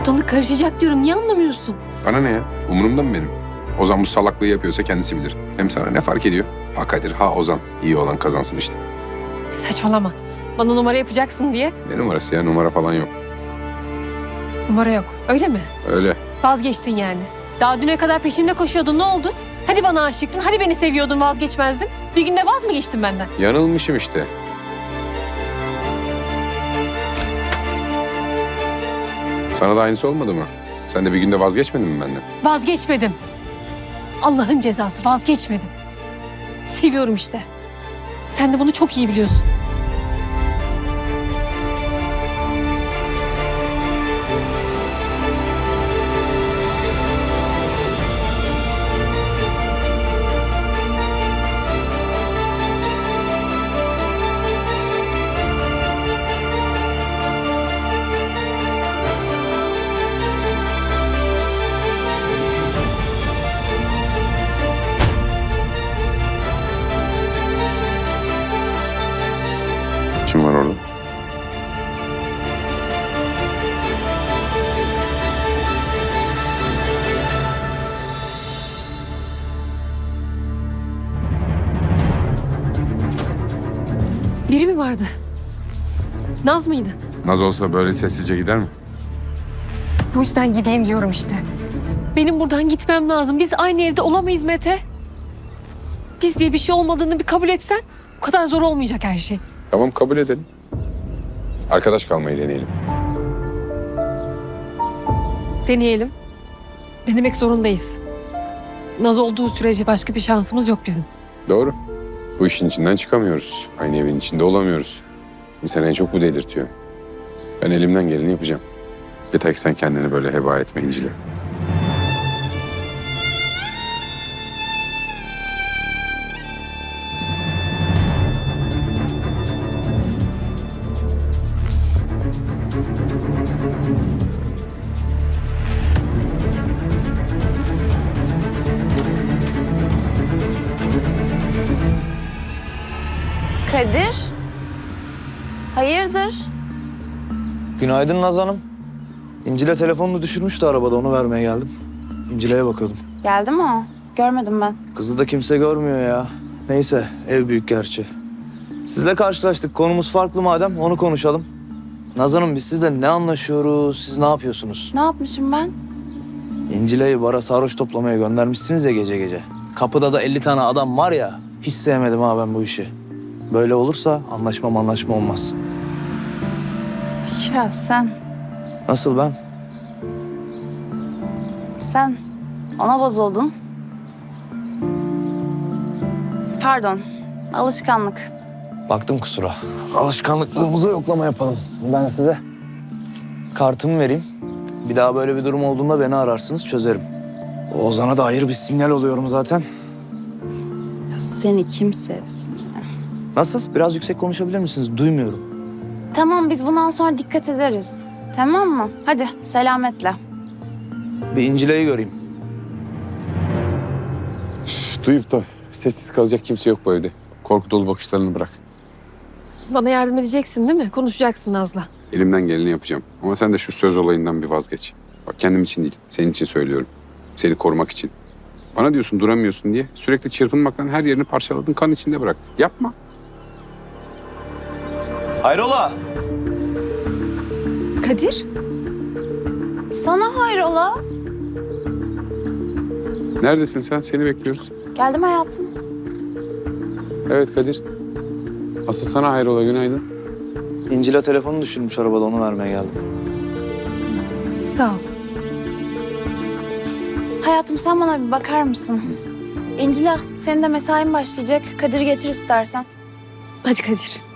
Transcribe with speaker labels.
Speaker 1: Ortalık karışacak diyorum. Niye anlamıyorsun?
Speaker 2: Bana ne ya? Umurumda mı benim? Ozan bu salaklığı yapıyorsa kendisi bilir. Hem sana ne fark ediyor? Ha Kadir, ha Ozan. İyi olan kazansın işte.
Speaker 1: Saçmalama. Bana numara yapacaksın diye.
Speaker 2: Ne numarası ya? Numara falan yok.
Speaker 1: Numara yok. Öyle mi?
Speaker 2: Öyle.
Speaker 1: Vazgeçtin yani. Daha düne kadar peşimde koşuyordun. Ne oldu? Hadi bana aşıktın. Hadi beni seviyordun, vazgeçmezdin. Bir günde vaz mı geçtin benden?
Speaker 2: Yanılmışım işte. Sana da aynısı olmadı mı? Sen de bir günde vazgeçmedin mi benden?
Speaker 1: Vazgeçmedim. Allah'ın cezası, vazgeçmedim. Seviyorum işte. Sen de bunu çok iyi biliyorsun.
Speaker 2: Kim var orada?
Speaker 1: Biri mi vardı? Naz mıydı?
Speaker 2: Naz olsa böyle sessizce gider mi?
Speaker 1: Bu yüzden gideyim diyorum işte. Benim buradan gitmem lazım. Biz aynı evde olamayız Mete. Biz diye bir şey olmadığını bir kabul etsen bu kadar zor olmayacak her şey.
Speaker 2: Tamam, kabul edelim. Arkadaş kalmayı deneyelim.
Speaker 1: Deneyelim. Denemek zorundayız. Naz olduğu sürece başka bir şansımız yok bizim.
Speaker 2: Doğru. Bu işin içinden çıkamıyoruz. Aynı evin içinde olamıyoruz. İnsanı en çok bu delirtiyor. Ben elimden geleni yapacağım. Yeter ki sen kendini böyle heba etme İncil'e.
Speaker 3: Kadir? Hayırdır?
Speaker 4: Günaydın Naz Hanım. İncil'e telefonunu düşürmüştü arabada, onu vermeye geldim. İncil'e bakıyordum.
Speaker 3: Geldi mi o? Görmedim ben.
Speaker 4: Kızı da kimse görmüyor ya. Neyse, ev büyük gerçi. Sizle karşılaştık, konumuz farklı madem, onu konuşalım. Naz Hanım, biz sizle ne anlaşıyoruz, siz ne yapıyorsunuz?
Speaker 3: Ne yapmışım ben?
Speaker 4: İncil'i bara sarhoş toplamaya göndermişsiniz ya gece gece. Kapıda da 50 tane adam var ya, hiç sevmedim ha ben bu işi. Böyle olursa anlaşma olmaz.
Speaker 3: Ya sen
Speaker 4: Nasıl ben?
Speaker 3: ona bozuldun. Pardon, alışkanlık.
Speaker 4: Baktım kusura. Alışkanlıklığımıza yoklama yapalım. Ben size kartımı vereyim. Bir daha böyle bir durum olduğunda beni ararsınız, çözerim. Ozan'a da hayır bir sinyal oluyorum zaten.
Speaker 3: Ya seni kim sevsin?
Speaker 4: Nasıl? Biraz yüksek konuşabilir misiniz? Duymuyorum.
Speaker 3: Tamam, biz bundan sonra dikkat ederiz. Tamam mı? Hadi selametle.
Speaker 4: Bir İncile'yi göreyim.
Speaker 2: Duyup da sessiz kalacak kimse yok bu evde. Korku dolu bakışlarını bırak.
Speaker 1: Bana yardım edeceksin değil mi? Konuşacaksın Naz'la.
Speaker 2: Elimden geleni yapacağım. Ama sen de şu söz olayından bir vazgeç. Bak, kendim için değil, senin için söylüyorum. Seni korumak için. Bana diyorsun duramıyorsun diye. Sürekli çırpınmaktan her yerini parçaladın, kan içinde bıraktın. Yapma.
Speaker 4: Hayrola?
Speaker 1: Kadir?
Speaker 3: Sana hayrola?
Speaker 2: Neredesin sen? Seni bekliyoruz.
Speaker 3: Geldim hayatım.
Speaker 2: Evet Kadir. Asıl sana hayrola, günaydın.
Speaker 4: İncil'e telefonu düşürmüş arabada, onu vermeye geldim.
Speaker 1: Sağ ol.
Speaker 3: Hayatım, sen bana bir bakar mısın? İncila, senin de mesain başlayacak. Kadir'i getir istersen.
Speaker 1: Hadi Kadir.